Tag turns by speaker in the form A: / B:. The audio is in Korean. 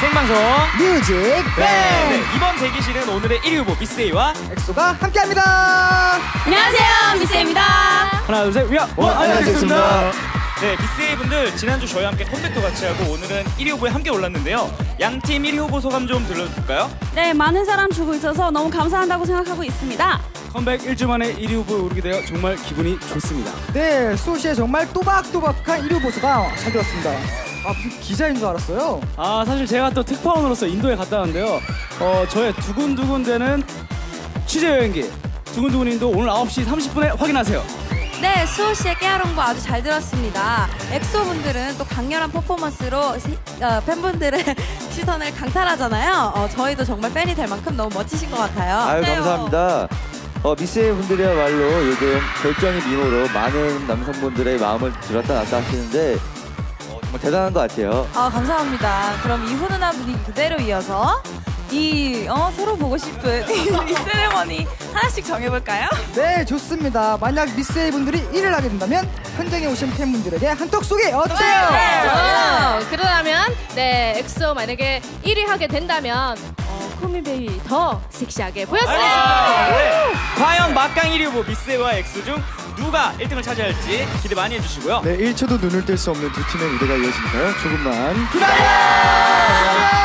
A: 생방송
B: 뮤직
A: 네, 이번 대기실은 오늘의 1위 후보 미스에이와
B: 엑소가 함께합니다.
C: 안녕하세요, 미스입니다.
A: 하나 둘 셋 위아
B: 안녕하십니까.
A: 네, 미스에이 분들 지난주 저희와 함께 컴백도 같이 하고 오늘은 1위 후보에 함께 올랐는데요. 양팀 1위 후보 소감 좀 들려줄까요?
C: 네, 많은 사람 주고 있어서 너무 감사한다고 생각하고 있습니다.
A: 컴백 1주 만에 1위 후보에 오르게 되어 정말 기분이 좋습니다.
B: 네, 소시의 정말 또박또박한 1위 보수가 잘 들었습니다. 무슨 기자인 줄 알았어요.
D: 사실 제가 또 특파원으로서 인도에 갔다 왔는데요. 저의 두근두근대는 취재 여행기 두근두근님도 오늘 9시 30분에 확인하세요.
E: 네, 수호 씨의 깨알홍보 아주 잘 들었습니다. 엑소 분들은 또 강렬한 퍼포먼스로 팬분들의 시선을 강탈하잖아요. 저희도 정말 팬이 될 만큼 너무 멋지신 것 같아요.
F: 아유, 감사합니다. 미스에이 분들이야말로 요즘 결정의 미모로 많은 남성분들의 마음을 들었다 놨다 하시는데 정말 대단한 것 같아요.
E: 감사합니다. 그럼 이 훈훈한 분위기 그대로 이어서 서로 보고 싶은 이 세레머니 하나씩 정해볼까요?
B: 네, 좋습니다. 만약 미스에이 분들이 1위를 하게 된다면 현장에 오신 팬분들에게 한턱 쏘기 어때요?
G: 그러면 네, 엑소 만약에 1위 하게 된다면 코미베이비 더 섹시하게 보였어요.
A: 네. 과연 막강 1위 후보 미스에이와 엑소 중 누가 1등을 차지할지 기대 많이 해주시고요.
H: 네, 1초도 눈을 뗄 수 없는 두 팀의 무대가 이어지니까요. 조금만
B: 기다려!